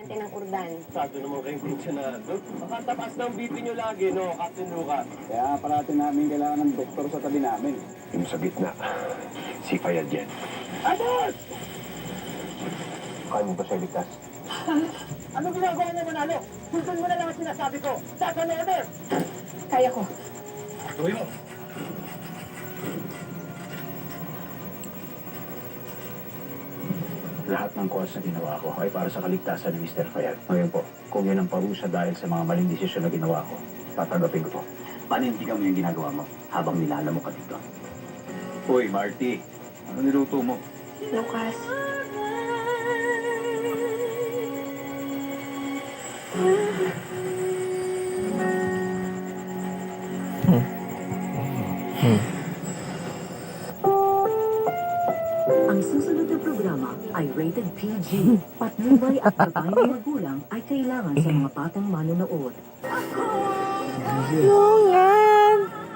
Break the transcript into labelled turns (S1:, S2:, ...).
S1: natin ang kurdan.
S2: Masyado naman kayong pensionado. Makatapas ng BP nyo lagi, no, Captain Luca?
S3: Kaya parati namin kailangan ng doktor sa tabi namin.
S2: Yung sa gitna, si Fayad yan. Abot! Kaya mo ba siya ligtas?
S3: Anong ginagawa mo, Manalo? Sundin mo na lang ang sinasabi ko. Second order!
S1: Kaya ko.
S2: Tuloy mo!
S4: Lahat ng calls na ginawa ko ay para sa kaligtasan ni Mr. Fayad. Ngayon po, kung yan ang parusa dahil sa mga maling desisyon na ginawa ko, tatanggapin ko po.
S3: Panindigan mo yung ginagawa mo habang nilala mo ka dito.
S4: Uy, Marty, ano niluto mo?
S1: Lucas.
S5: Ang susunod na programa ay rated PG. Patnubay at gabay ng magulang ay kailangan sa mga batang manonood.
S1: No,